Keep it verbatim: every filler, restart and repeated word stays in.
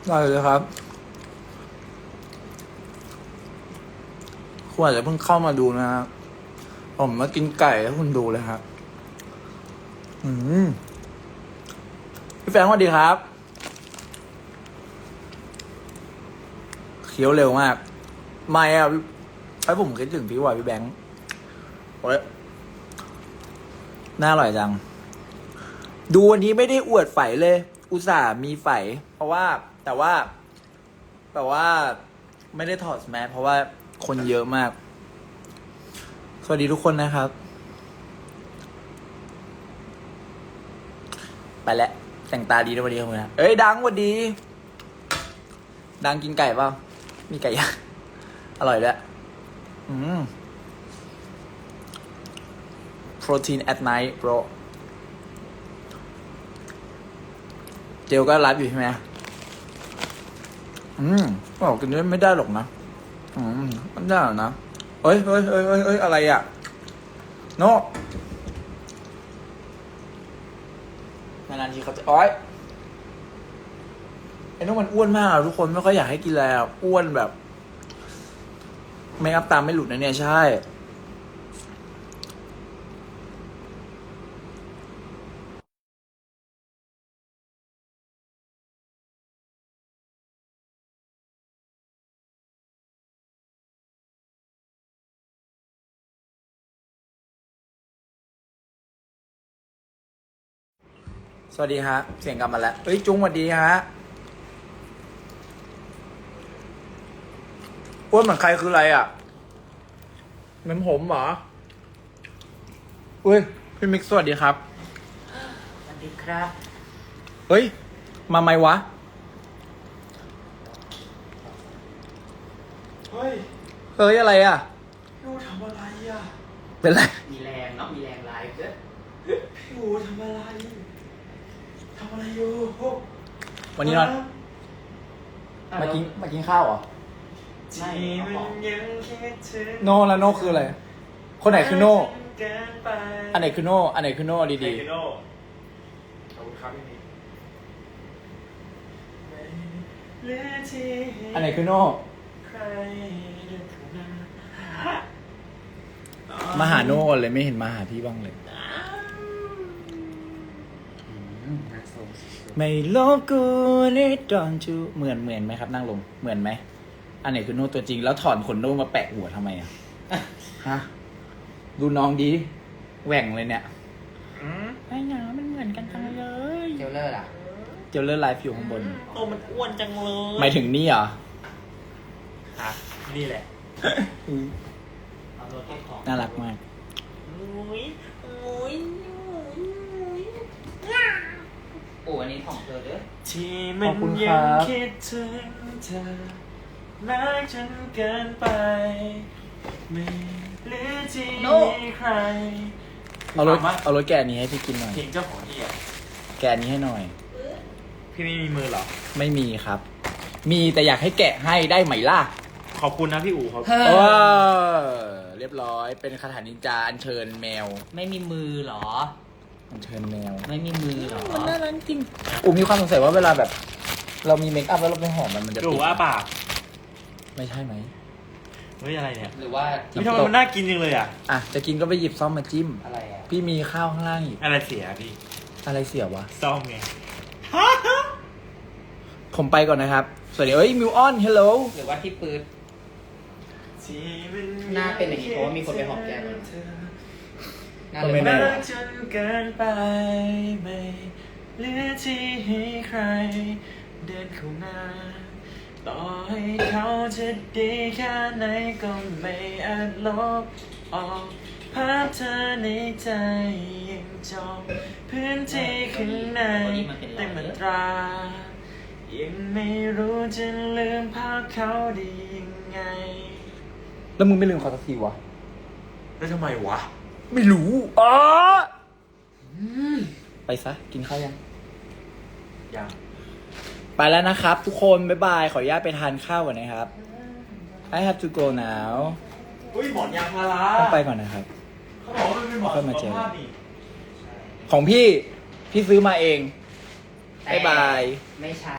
ได้เลยครับคุณอาจจะเพิ่งเข้ามาดูนะครับผมมากินไก่ให้คุณดูเลยครับอืมพี่แฟรงค์สวัสดีครับเคี้ยวเร็วมากไม่อะไอ้ผมคิดถึงพี่ว่ะพี่แบงค์โอ้ยน่าอร่อยจังดูวันนี้ไม่ได้อวดไฝเลย อุตส่าห์มีไฝเพราะว่าแต่ว่าแต่ว่าไม่ได้ถอดแมสเพราะว่าคนเยอะมากสวัสดีทุกคนนะครับไปแล้วแต่งตาดีนะวันนี้ครับนะเอ้ยดังวันดีดังกินไก่เปล่ามีไก่ย่างอร่อยด้วยอืม protein at night bro เจลก็ไลฟ์อยู่ใช่ไหมอืมบอกกินไม่ได้หรอกนะอืมมันได้หรอนะเฮ้ยเฮ้ยเฮ้ยเฮ้ยเฮ้ยอะไรอ่ะโน่นานๆทีเขาจะอ้อยไอ้โน่มันอ้วนมากทุกคนไม่ค่อยอยากให้กินแล้วอ้วนแบบไม่อัพตามไม่หลุดนะเนี่ยใช่สวัสดีฮะเสียงกลับมาแล้วเฮ้ยจุ้งสวัสดีฮะอ้วนเหมือนใครคืออะไรอ่ะเหมือนผมเหรออุ้ยพี่มิกซ์สวัสดีครับสวัสดีครับเฮ้ยมาไหมวะเฮ้ยเฮ้ยอะไรอ่ะพี่อูทำอะไรอ่ะเป็นไรมีแรงเนาะมีแรงไลฟ์ด้วยพี่อูทำอะไรทำอะไรอยู่วันนี้นอนมากินมากินข้าวเหรอที่มันยังคิดถึงโน่แล้วโน่คืออะไรคนไหนคือโน่เกินไปอันไหนคือโน่อันไหนคือโน่ดีใครคือโน่ขอบคุณครับพี่นี่เหลือที่ๆอันไหนคือโน่ใครเดินเข้ามามาหาโน่ก่อนเลยไม่เห็นมาหาพี่บ้างเลยน่าสงสารไม่ลบกูนี่ดอนจูเหมือนเหมือนไหมครับนั่งลงเหมือนไหมอันไหนคือโน่ตัวจริงแล้วถอนขนโน่มาแปะหัวทำไมอ่ะฮะดูน้องดีแหว่งเลยเนี่ยอืมไอ้หนามันเหมือนกันจังเลยเจลเลอร์ล่ะเจลเลอร์ไลฟ์อยู่ข้างบนโอ้มันอ้วนจังเลยหมายถึงนี่เหรออ่ะนี่แหละเอาตัวเก็บของน่ารักมากอุ้ยอุ้ยอุ้ยโอ้อันนี้ของเธอเด้อที่มันยังคิดถึงเธอรักจนเกินไปไม่เหลือที่มีใครเอารถเอารถแกะนี้ให้พี่กินหน่อยเพลงเจ้าของที่อ่ะแกะนี้ให้หน่อยพี่ไม่มีมือเหรอไม่มีครับ มีแต่อยากให้แกะให้ได้ไหมล่ะขอบคุณนะพี่อู๋ครับเฮ้เอออเรียบร้อยเป็นคาถานินจาอัญเชิญแมวไม่มีมือเหรออัญเชิญแมวไม่มีมือเหรอมันน่ารักจริงอูมีความสงสัยว่าเวลาแบบ เรามีเมคอัพแล้วเราไปหอมมันมันจะพี่อู๋ว่าปากไม่ใช่ไหมเฮ้ยอะไรเนี่ยหรือว่าพี่ทำไมมันน่ากินจังเลยอ่ะอ่ะจะกินก็ไปหยิบซ่อมมาจิ้มอะไรอ่ะพี่มีข้าวข้างล่างอีกอะไรเสียพี่อะไรเสียวะซ่อมไงผมไปก่อนนะครับ สวัสดีเอ้ยมิวออนเฮลโลหรือว่าที่ปืดที่มัหน้าเป็นอย่างนี้เพราะว่ามีคนไปหอมแก้มมัน น่าก็เลไม่ยแน่รักจนเกินไปไม่เหลือที่ให้ใคร เดินเข้ามาต่อให้เขาจะดีแค่ไหนก็ไม่อาจลบออกภาพเธอในใจยังจองพื้นที่ข้างในเต็มอัตรา ยังไม่รู้จะลืมภาพเขาได้ยังไงแล้วมึงไม่ลืมเขาสักทีวะแล้วทำไมวะไม่รู้อ๋อไปซะ กินข้าวยังยังไปแล้วนะครับทุกคน บ๊ายบาย ขออนุญาตไปทานข้าวก่อนนะครับ I have to go now อุ้ยหมอนยางพาราต้องไปก่อนนะครับเขาบอกว่ามันเป็นหมอนค่อยมาเจอสุขภาพนี่ของพี่ พี่ซื้อมาเอง บ๊ายบายไม่ใช่